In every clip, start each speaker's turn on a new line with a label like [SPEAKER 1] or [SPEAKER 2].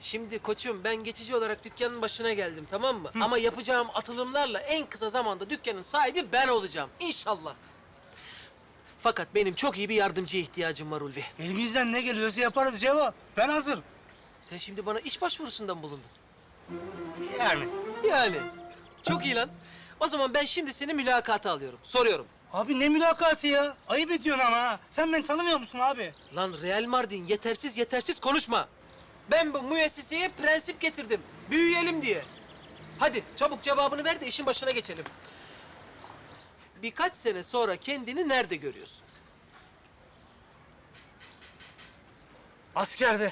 [SPEAKER 1] Şimdi koçum ben geçici olarak dükkanın başına geldim, tamam mı? Ama yapacağım atılımlarla en kısa zamanda dükkanın sahibi ben olacağım. İnşallah. Fakat benim çok iyi bir yardımcıya ihtiyacım var Ulvi.
[SPEAKER 2] Elimizden ne geliyorsa yaparız Cevo. Ben hazırım.
[SPEAKER 1] Sen şimdi bana iş başvurusunda mı bulundun?
[SPEAKER 2] Yani.
[SPEAKER 1] Yani. Çok iyi lan. O zaman ben şimdi seni mülakata alıyorum. Soruyorum.
[SPEAKER 2] Abi ne mülakatı ya? Ayıp ediyorsun ama ha. Sen beni tanımıyor musun abi?
[SPEAKER 1] Lan Real Mardin yetersiz konuşma. Ben bu müesseseye prensip getirdim. Büyüyelim diye. Hadi çabuk cevabını ver de işin başına geçelim. Birkaç sene sonra kendini nerede görüyorsun?
[SPEAKER 2] Askerde.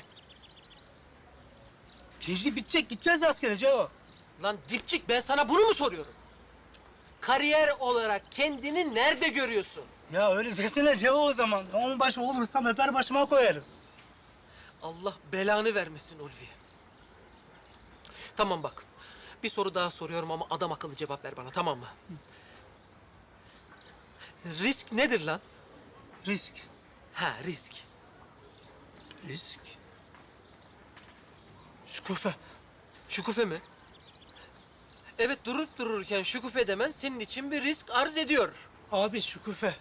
[SPEAKER 2] Tecrübe bitecek, gideceğiz askere Cevo.
[SPEAKER 1] Lan dipçik ben sana bunu mu soruyorum? Kariyer olarak kendini nerede görüyorsun?
[SPEAKER 2] Ya öyle desene Cevo o zaman. Onbaşı olursam öper başıma koyarım.
[SPEAKER 1] Allah belanı vermesin Ulvi. Tamam bak. Bir soru daha soruyorum ama adam akıllı cevap ver bana, tamam mı? Risk nedir lan?
[SPEAKER 2] Risk.
[SPEAKER 1] Ha, risk.
[SPEAKER 2] Risk? Şükufe.
[SPEAKER 1] Şükufe mi? Evet, durup dururken şükufe demen senin için bir risk arz ediyor.
[SPEAKER 2] Abi şükufe.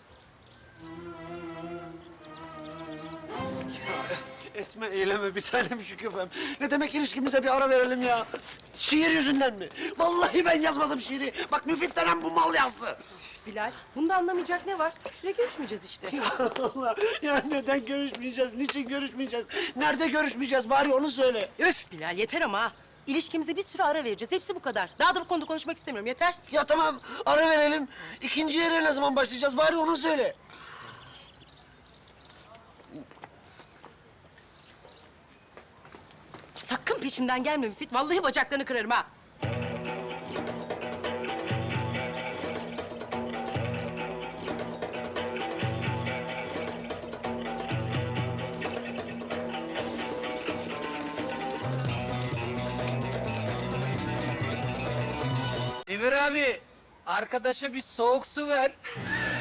[SPEAKER 3] Etme eyleme bir tanem Şüküfem. Ne demek ilişkimize bir ara verelim ya? Şiir yüzünden mi? Vallahi ben yazmadım şiiri. Bak Müfit denen bu mal yazdı.
[SPEAKER 4] Bilal, bunda anlamayacak ne var? Bir süre görüşmeyeceğiz işte.
[SPEAKER 3] Ya Allah, ya neden görüşmeyeceğiz? Niçin görüşmeyeceğiz? Nerede görüşmeyeceğiz? Bari onu söyle.
[SPEAKER 4] Öf Bilal, yeter ama ha. İlişkimize bir süre ara vereceğiz. Hepsi bu kadar. Daha da bu konuda konuşmak istemiyorum. Yeter.
[SPEAKER 3] Ya tamam, ara verelim. İkinci yere ne zaman başlayacağız? Bari onu söyle.
[SPEAKER 4] Sakın peşimden gelme Müfit. Vallahi bacaklarını kırarım ha.
[SPEAKER 1] Emir abi, arkadaşa bir soğuk su ver.